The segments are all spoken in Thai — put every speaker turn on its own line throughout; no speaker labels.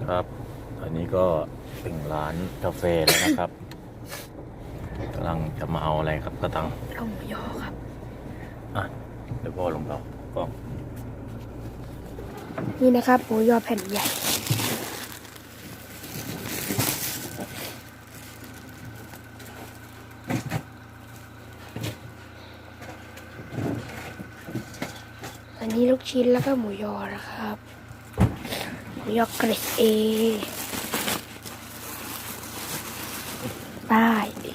ครับอันนี้ก็ถึงร้านกาแฟแล้วนะครับกำลังจะมาเอาอะไรครับกระตัง
เอาหมูยอครับ
อ่ะเดี๋ยวพ่อลงเรากล้อง
นี่นะครับหมูยอแผ่นใหญ่อันนี้ลูกชิ้นแล้วก็หมูยอนะครับหมูยอเกรดเอได้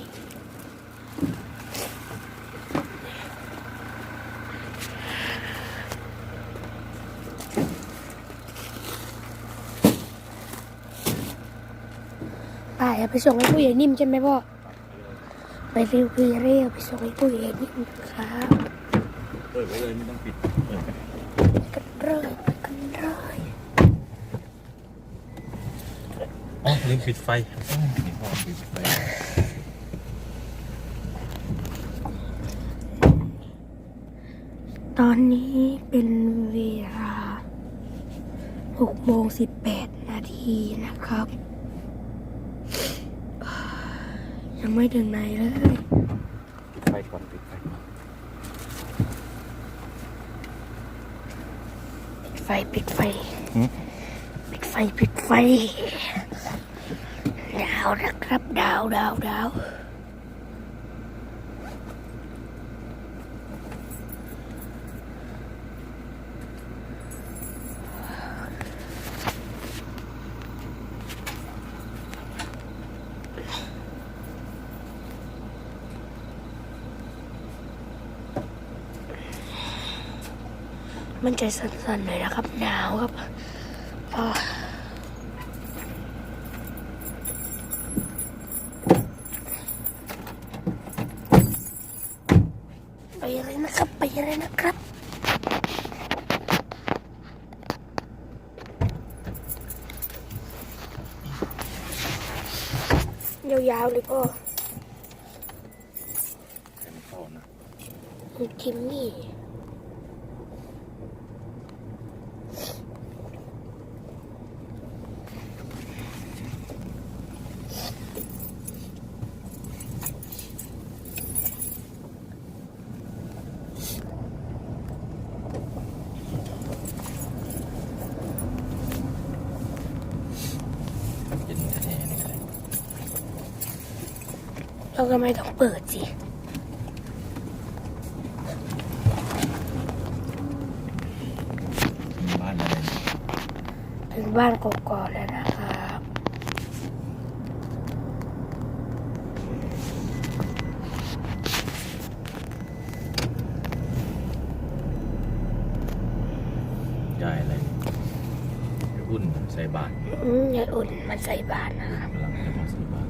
ป้าไปส่งให้ผู้ใหญ่นิ่มใช่ไหมพ่อไปเร็วไปส่งให้ผู้ใหญ่นิ่มครับ
เปิดไว้เลยไม่ต้องปิด
กันเลย
อ๋อลืมปิดไฟนี่พ่อปิดไฟ
ตอนนี้เป็นเวลา6:18 นาทีนะครับยังไม่ถึงไหนเลย
ปิดไฟก่อนปิดไฟก่อน
ปิดไฟดาวนะครับดาวมันจะสั่นๆหน่อยนะครับหนาวครับไปเลยนะครับยาวๆเลยพ่อ
เข้านะ
ทิมมี่เราก็ไม่ต้องเปิดสิ
บ้านอะไร
ถึงบ้านกกอกแล้วนะครับ
ยายอะไรอุ่นใส่บาตร
ยายอุ่นมันใส่บาตรนะครับ
กำลังจะมาใส่บาตร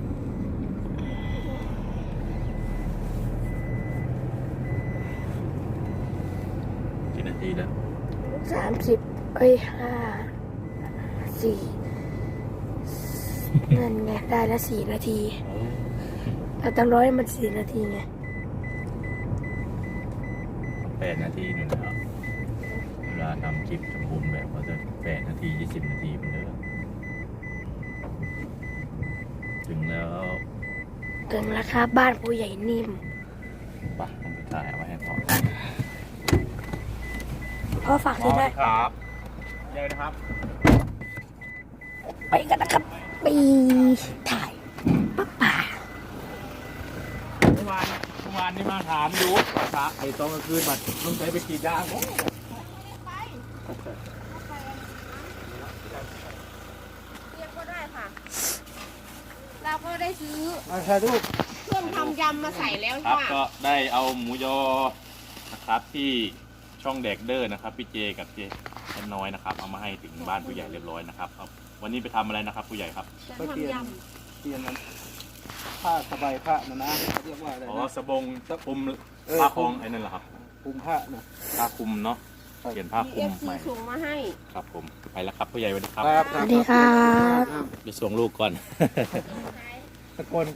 กี่นาทีแล้ว
30 4นั่นไงได้ละ4 นาทีเราต้องร้อยมัน4 นาทีไง
8 นาทีหนึ่งครับเวลาทำคลิปสมบูรณ์แบบก็จะ8 นาที 20 นาทีเป็นเดิมถึงแล้ว
ครับบ้านผู้ใหญ่นิ่ม
ปะต้องไปถ่ายเอาไว้ให้พ่อ
ฝากที่ได้
ครับเจอนะครับ
ไปกันนะครับไปถ่ายป่า
เมื่อวานนี่มาถามดูพระไอ้ตอนกลางคืนมันต้องใช้ไปกี่ยาง
เรียกก็ได้ค่ะเราก็ได้ซื้อเครื่องทำยำมาใส่แล้ว
ครับ
ค่ะ
ก็ได้เอาหมูยอนะครับที่ช่องแดกเดอร์นะครับพี่เจกับเจน้อยนะครับเอามาให้ถึงบ้านผู้ใหญ่เรียบร้อยนะครับวันนี้ไปทำอะไรนะครับผู้ใหญ่ครับ
จะทำย
เปลี่ยนนั้นผ้าสบายผ้านะเรียกว่าอะไร
นะสบงคุมผ้าคล้องไอ้นั่นเหรอครับ
คุมผ้านะ
ผ้าคุมเนาะเปลี่ยนผ้าคุม
ใหม่ส่งมาให้
ครับผมไปแล้วครับผู้ใหญ่สวัสดีครับ
สวัสดีครับ
ไปส่งลูกก่อน
ตะโกน